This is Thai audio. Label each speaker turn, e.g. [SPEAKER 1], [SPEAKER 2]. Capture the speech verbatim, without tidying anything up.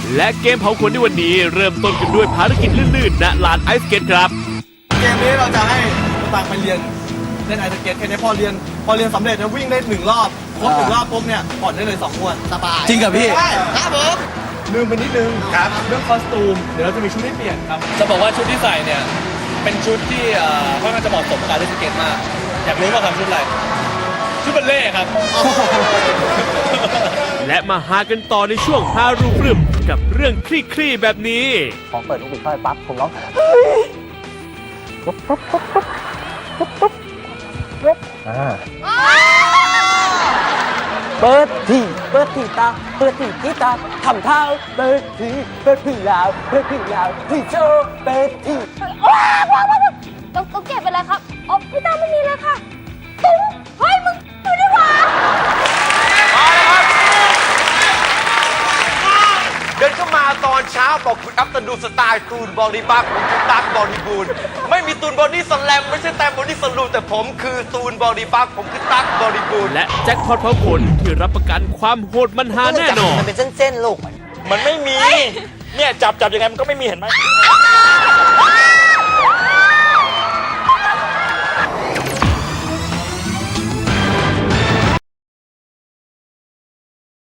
[SPEAKER 1] และเกมเผาขนในวันนี้เริ่มต้นกันด้วยภารกิจลื่นๆณลานไอซ์สเก็ตครับ
[SPEAKER 2] เกมนี้เราจะให้ต่างไปเรียนเล่นไอซ์สเก็ตแค่นี้พอเรียนพอเรียนสำเร็จจะวิ่งได้หนึ่งรอบครบหนึ่งรอบปุ๊บเนี่ยผ่อนได้เลยสองงวดสบาย
[SPEAKER 3] จริงกับพี่
[SPEAKER 2] ใช่ครับผมลืมไปนิดนึงครับเรื่องคอสตูมเดี๋ยวเราจะมีชุดให้เปลี่ยนครับ
[SPEAKER 4] จะบอกว่าชุดที่ใส่เนี่ยเป็นชุดที่เอ่อค่อนข้างจะเหมาะสมกับการเล่นสเก็ตมาก อยากรู้ว่าทำชุดอะไรชุดบัลเล่ต์ครับ
[SPEAKER 1] และมาหากันต่อในช่วงฮารูปรึมกับเรื่องคลี่ๆแบบนี้
[SPEAKER 5] พอเปิดลูกบิดเข้าไปปั๊บผมร้องอ่าเปิดที่เปิดที่ตาเปิดที่ที่ตาทำเท้าเปิดที่เปิดที่ยาวเปิดที่ยาวที่โชว์เปิดที่
[SPEAKER 6] ว้าวว้าวว้าวต้องต้องเก็บไปเลยครับอ๋อพี่ตาไม่มีเลยค่ะตุ้งเฮ้ยมึงดูดิวะ
[SPEAKER 7] เดินเข้ามาตอนเช้าบอกคุณอัพตันดูสไตล์ตูนบอดี้บักผมคือตั๊กบอดี้บูนไม่มีตูนบอดี้สแลมไม่ใช่แต่บอดี้สลูแต่ผมคือตูนบอดี้บักผมคือตั๊กบอดี้บูน
[SPEAKER 1] และแจ็คพอตเผาขนที่รับประกันความโหดมันหาแน่นอน
[SPEAKER 5] มันเป็นเส้นๆลูก
[SPEAKER 8] มันไม่มี เนี่ยจับจับยังไงมันก็ไม่มีเห็นไหม
[SPEAKER 6] อ้า